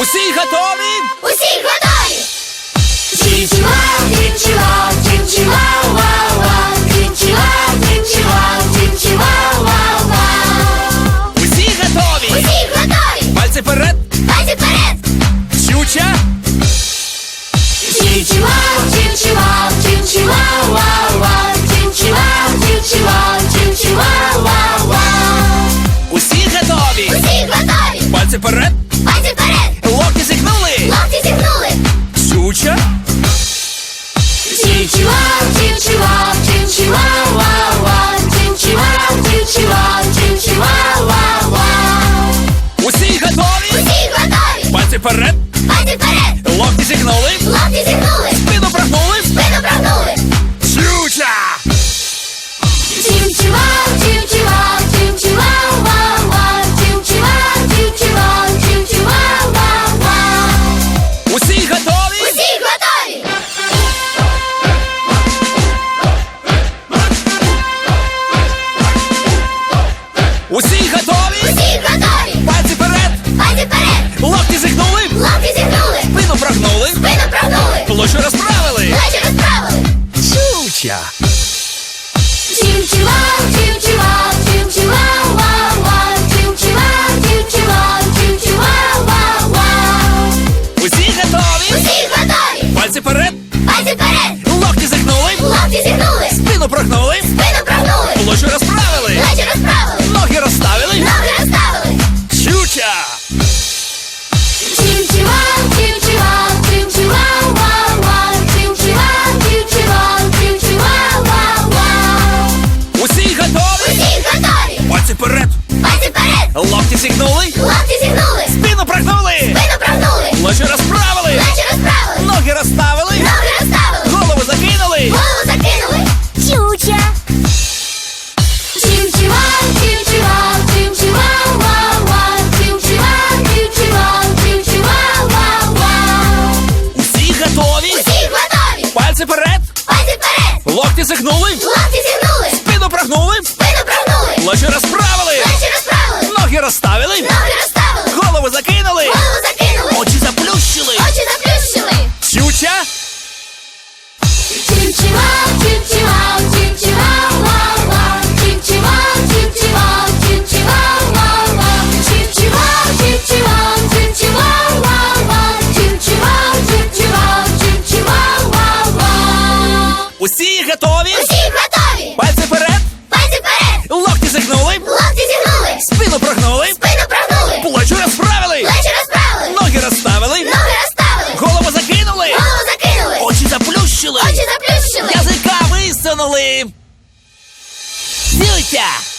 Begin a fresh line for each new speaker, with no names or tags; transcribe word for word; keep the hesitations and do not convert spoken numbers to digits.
Усі готові?
Усі готові! Чінчі-вау, чінчі-вау, чінчі-вау, вау, вау. Чінчі-вау, чінчі-вау, чінчі-вау, вау, вау.
Усі готові?
Усі готові!
Пальці вперед!
Пальці вперед!
Чуча!
Чінчі-вау, чінчі-вау, чінчі-вау, вау, вау. Чінчі-вау, чінчі-вау, чінчі-вау, вау, вау.
Усі готові?
Усі готові!
Пальці вперед!
Пальці вперед!
Локті зігнули!
Локті зігнули!
Чуча!
Чінчі-вау, чінчі-вау, чінчі-вау, вау, вау. Чінчі-вау, чінчі-вау, чінчі-вау, вау, вау.
Усі готові?
Усі готові!
Пальці вперед!
Пальці вперед!
Локті зігнули!
Локті зігнули!
Спину прогнули!
Спину прогнули!
Чуча!
Чінчі-вау, чінчі-вау, чінчі-вау, вау, вау. Чінчі-вау, чінчі-вау, чінчі-вау, вау, вау.
Усі готові?
Усі готові!
Усі готові?
Усі готові!
Пальці вперед!
Пальці вперед!
Локті зігнули!
Локті зігнули!
Спину прогнули!
Спину прогнули!
Площу розправили!
Плечі розправили!
Чуча!
Чінчі-вау, чінчі-вау, чінчі-вау, вау, вау. Чінчі-вау, чінчі-вау, чінчі-вау, вау, вау.
Усі готові?
Усі готові!
Пальці вперед!
Пальці вперед!
Локті зігнули!
Локті зігнули!
Спину прогнули!
Спину прогнули!
Площу розправили!
Плечі розправили!
Ноги розставили!
Ноги розставили!
Чуча!
Чінчі-вау, чінчі-вау, чінчі-вау, вау, вау. Чінчі-вау, чінчі-вау, чінчі-вау, вау, вау.
Усі готові?
Усі готові!
Пальці вперед!
Пальці вперед!
Локті зігнули!
Локті зігнули!
Спину прогнули!
Спину прогнули!
Площу розправили!
Плечі розправили!
Ноги розставили!
Ноги розставили!
Голову закинули!
Голову закинули! Чуча! Чінчі-вау, чінчі-вау, чінчі-вау, вау, вау. Чінчі-вау, чінчі-вау, чінчі-вау, вау, вау.
Усі готові?
Усі готові!
Пальці вперед!
Пальці вперед!
Локті зігнули!
Локті зігнули!
Спину прогнули!
Спину прогнули!
Площу розправили!
Плечі розправили!
Ноги розставили!
Ноги розставили!
Голову закинули!
Голову закинули!
Очі заплющили!
Очі заплющили!
Чуча!
Чінчі-вау, чінчі-вау, чінчі-вау, вау, вау. Чінчі-вау, чінчі-вау, чінчі-вау, вау, вау. Чінчі-вау, чінчі-вау, чінчі-вау, вау, вау. Чінчі-вау, чінчі-вау, чінчі-вау, вау, вау.
Усі готові?
Усі готові!
Пальці вперед!
Пальці вперед!
Локті зігнули!
Локті зігнули!
Спину прогнули!
Спину прогнули!
Площу розправили!
Плечі розправили!
Ноги розставили!
Ноги розставили!
Голову закинули!
Голову закинули!
Очі заплющили!
Очі заплющили!
Язика висунули! Чуча!